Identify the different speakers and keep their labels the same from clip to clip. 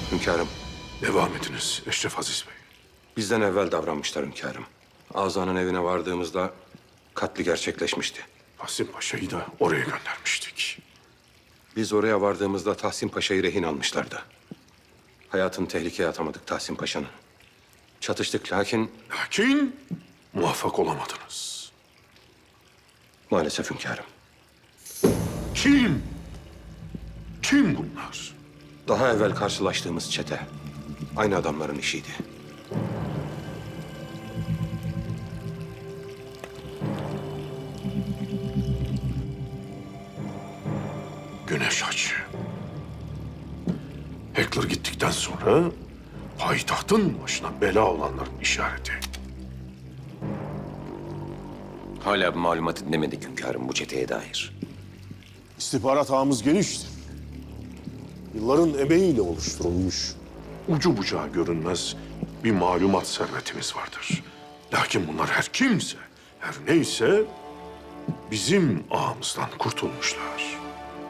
Speaker 1: Hünkârım,
Speaker 2: Devam ediniz Eşref Aziz Bey.
Speaker 1: bizden evvel davranmışlar hünkârım. Azan'ın evine vardığımızda katli gerçekleşmişti.
Speaker 2: Tahsin Paşa'yı da oraya göndermiştik.
Speaker 1: Biz oraya vardığımızda Tahsin Paşa'yı rehin almışlardı. Hayatını tehlikeye atamadık Tahsin Paşa'nın. Çatıştık lakin
Speaker 2: Lakin muvaffak olamadınız.
Speaker 1: maalesef hünkârım.
Speaker 2: Kim? Kim bunlar?
Speaker 1: Daha evvel karşılaştığımız çete aynı adamların işiydi.
Speaker 2: Güneş Hacı. Heckler gittikten sonra payitahtın başına bela olanların işareti.
Speaker 3: Hala bir malumat dinlemedik hünkârım bu çeteye dair.
Speaker 4: İstihbarat ağımız geniştir. Yılların emeğiyle oluşturulmuş.
Speaker 2: Ucu bucağı görünmez bir malumat servetimiz vardır. Lakin bunlar her kimse, her neyse bizim ağımızdan kurtulmuşlar.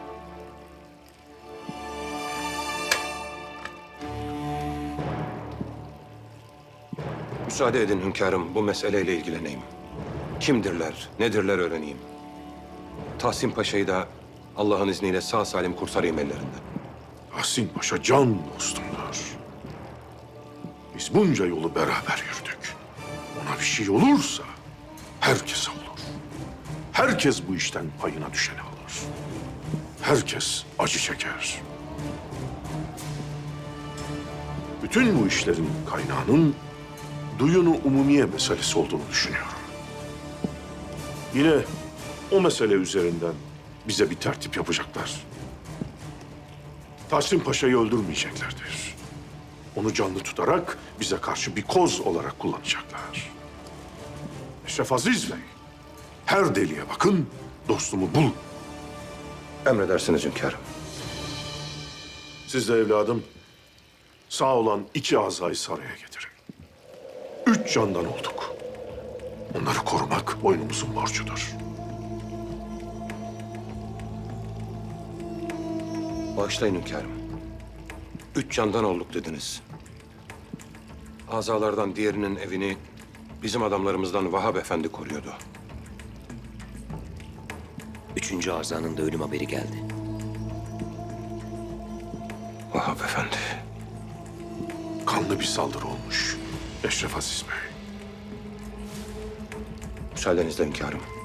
Speaker 1: Müsaade edin hünkârım, bu meseleyle ilgileneyim. Kimdirler, nedirler öğreneyim. Tahsin Paşa'yı da Allah'ın izniyle sağ salim kurtarayım ellerinden.
Speaker 2: Tahsin Paşa can dostumdur. Biz bunca yolu beraber yürüdük. Ona bir şey olursa herkese olur. Herkes bu işten payına düşeni alır. Herkes acı çeker. Bütün bu işlerin kaynağının duyunu umumiye meselesi olduğunu düşünüyorum. Yine o mesele üzerinden bize bir tertip yapacaklar. Tahsin Paşa'yı öldürmeyeceklerdir. Onu canlı tutarak bize karşı bir koz olarak kullanacaklar. Eşref Aziz Bey, her deliğe bakın, dostumu bulun.
Speaker 1: Emredersiniz hünkârım.
Speaker 2: Siz de evladım, sağ olan iki azayı saraya getirin. 3 candan olduk. Onları korumak boynumuzun borcudur.
Speaker 1: Bağışlayın hünkârım. 3 candan olduk dediniz. Azalardan diğerinin evini bizim adamlarımızdan Vahap Efendi koruyordu.
Speaker 3: 3. azanın da ölüm haberi geldi.
Speaker 1: Vahap Efendi.
Speaker 2: Kanlı bir saldırı olmuş Eşref Aziz Bey.
Speaker 1: Müsaadenizle hünkârım.